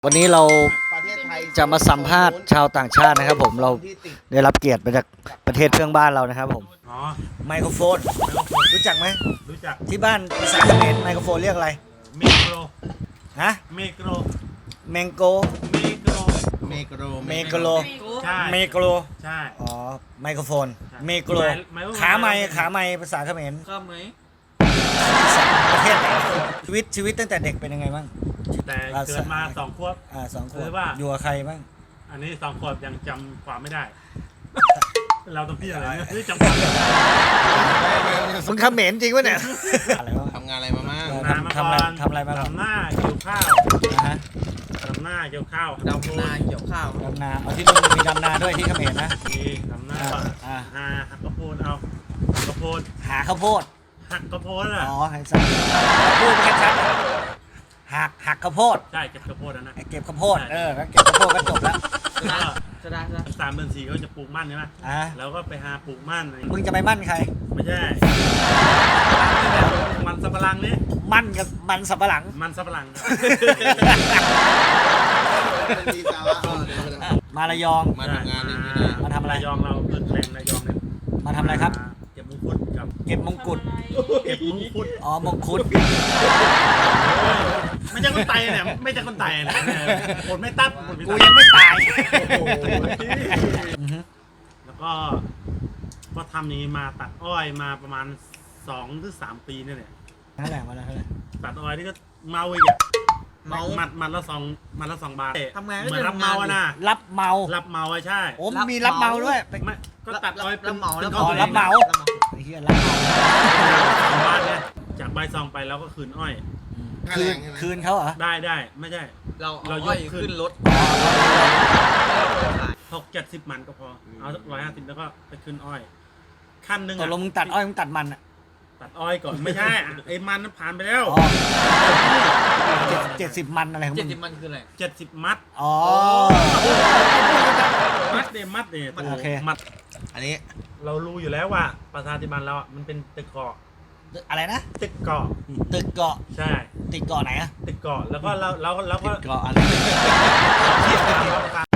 วันนี้เราประเทศไทยจะมาสัมภาษณ์ชาวต่างชาตินะครับผมเราได้รับเกียรติมาจากประเทศเพื่อนบ้านเรานะครับผมอ๋อไมโครโฟนรู้จักไหมรู้จักที่บ้านภาษาเขมรไมโครโฟนเรียกอะไรเมโกรฮะเมโกรแมงโกเมโกรเมโกรเมโกโลใช่เมโกโลใช่อ๋อไมโครโฟนใช่เมโกโลไมโครโฟนขาไม้ขาไม้ภาษาเขมรข้ามไหมประเทศไหนชีวิตตั้งแต่เด็กเป็นยังไงบ้างแต่เกิดมา2 ขวบ 2 ขวหรืบอว่าอยู่กับใครบ้างอันนี้2 ขวบยังจำความไม่ได้ เราต้องพี่อะไรเนี่ยนี่จำความไม่ได้มึงเขมรจริงปะเนี่ยอะไรวะทำงานอะไรมาบ้างเอองานมาก่อนทำอะไรมาก่อนดำหน้าเกี่ยวข้าวนะฮะดำหน้าเกี่ยวข้าวดำนาเกี่ยวข้าวดำนาเอาที่นู่นมีดำนาด้วยที่เขมรนะมีดำหน้าอ่าหักกระโพดเอากระโพดหาข้าวโพดหักกระโพดอ่ะอ๋อให้สัตว์พูดแค่ชัดหักข้าวโพดใช่เก็บกระโพดนะเก็บข้าวโพดก็เก็บข้าวโพดก็จบแล้วจะได้ 3 เดือน 4เขาจะปลูกมั่นใช่ไหมอ่ะแล้วก็ไปหาปลูกมั่นมึงจะไปมั่นใครไม่ใช่มันสับปะรังนี่มั่นกับมันสับปะหลังมันสับปะรังมีสาระมาระยองมาทำงานนี่มาทำอะไรระยองเราเป็นแหล่งระยองเนี่ยมาทำอะไรครับเก็บมงคุดกับเก็บมงกุฎเก็บมงคุดอ๋อมงคุดไม่ใช่คนไตเนี่ยไม่ใช่คนไตเนี่ยคนไม่ตัดคนไม่กูตัดยังไม่ตายโอ้โหอือฮึแล้วก็ทำนี้มาตัดอ้อยมาประมาณ2 หรือ 3 ปีนี่แหละนั่นแหละมาแล้วนั่นแหละตัดอ้อยนี่ก็เมาอีกอ่ะมันละ2 บาททำงานก็เหมือนจะรับทำงาเมาน อะนะรับเมารับเมาอะใช่โอ้มีรับเมาด้วยไม่ก็ตัดอ้อยรับเหมาป็นรับของตัวองรับเหมา ไอ้เหี้ยรับเมาของบ้านเนี่ยจากใบซองไปแล้วก็คืนอ้อยคืนเขาเหรอได้ไม่ใช่เราเราเอายกอ้อยขึ้นขึ้นรถ 60-70 มันก็พอเอาสัก150แล้วก็ไปขึ้นอ้อย ขั้นหนึ่งตกลงมึงตัดอ้อยมึงตัดมันอ่ะตัดอ้อยก่อนไม่ใช่ไอ้มันนั้นผ่านไปแล้วอ๋อ70 มันอะไรของมึง 70 มันคืออะไร 70 มัดอ๋อมัดเนี่ยโอเคมัดอันนี้เรารู้อยู่แล้วว่าประชาธิปัตย์เราอ่ะมันเป็นตึกเกาะอะไรนะตึกเกาะตึกเกาะใช่ติดเกาะไหนอะตึกเกาะแล้วก็เราก็เกาะอะไร